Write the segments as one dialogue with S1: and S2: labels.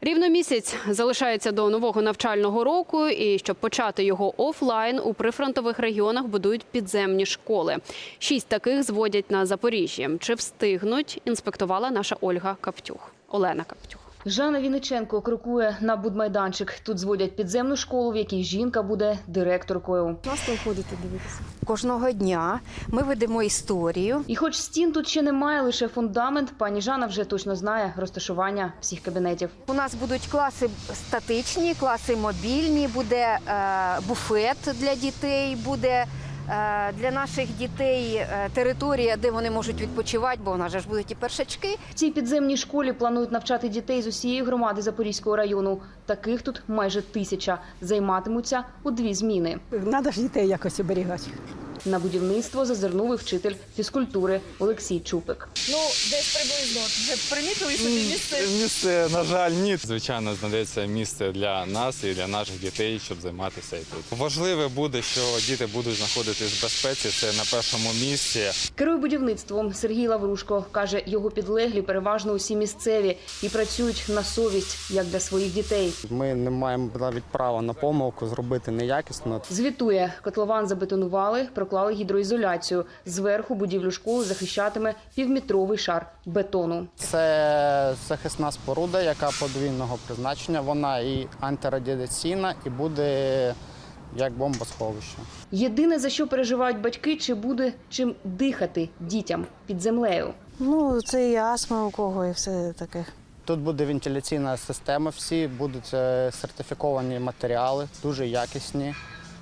S1: Рівно місяць залишається до нового навчального року, і щоб почати його офлайн, у прифронтових регіонах будують підземні школи. 6 таких зводять на Запоріжжі. Чи встигнуть, інспектувала наша Олена Каптюх.
S2: Жанна Вінниченко крокує на будмайданчик. Тут зводять підземну школу, в якій жінка буде директоркою.
S3: Класно ходити дивитися.
S4: Кожного дня ми ведемо історію.
S2: І хоч стін тут ще немає, лише фундамент, пані Жанна вже точно знає розташування всіх кабінетів.
S4: У нас будуть класи статичні, класи мобільні, буде буфет для дітей, буде для наших дітей територія, де вони можуть відпочивати, бо у нас же ж будуть і першачки.
S2: В цій підземній школі планують навчати дітей з усієї громади Запорізького району. Таких тут майже 1000. Займатимуться у 2 зміни.
S3: Треба ж дітей якось оберігати.
S2: На будівництво зазирнув і вчитель фізкультури Олексій Чупик.
S5: Ну, десь приблизно. Вже примітили собі місце?
S6: Місце, на жаль, ні. Звичайно, знайдеться місце для нас і для наших дітей, щоб займатися і тут. Важливе буде, що діти будуть знаходитись в безпеці, це на першому місці.
S2: Керує будівництвом Сергій Лаврушко. Каже, його підлеглі переважно усі місцеві і працюють на совість, як для своїх дітей.
S7: Ми не маємо навіть права на помилку зробити неякісно.
S2: Звітує, котлован забетонували, проклали гідроізоляцію. Зверху будівлю школи захищатиме півметровий шар бетону.
S7: Це захисна споруда, яка подвійного призначення. Вона і антирадіаційна, і буде як бомбосховище.
S2: Єдине, за що переживають батьки, чи буде чим дихати дітям під землею.
S3: Ну, це і астма у кого, і все таке.
S7: Тут буде вентиляційна система, всі будуть сертифіковані матеріали, дуже якісні,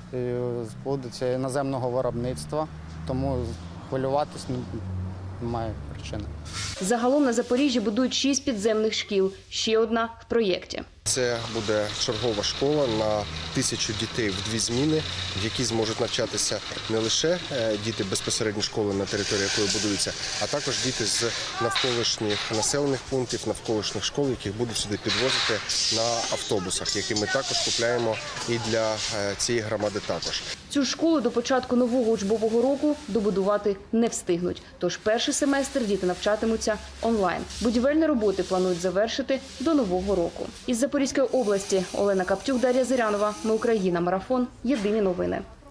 S7: будуть іноземного виробництва, тому хвилюватись немає причини.
S2: Загалом на Запоріжжі будують 6 підземних шкіл, ще одна в проєкті.
S8: Це буде чергова школа на 1000 дітей в 2 зміни, в якій зможуть навчатися не лише діти безпосередньо школи, на території якої будуються, а також діти з навколишніх населених пунктів, навколишніх школ, яких будуть сюди підвозити на автобусах, які ми також купляємо і для цієї громади також.
S2: Цю школу до початку нового учбового року добудувати не встигнуть. Тож перший семестр діти навчатимуться онлайн. Будівельні роботи планують завершити до нового року. Із Запорізької області Олена Каптюх, Дар'я Зирянова. Ми Україна. Марафон. Єдині новини.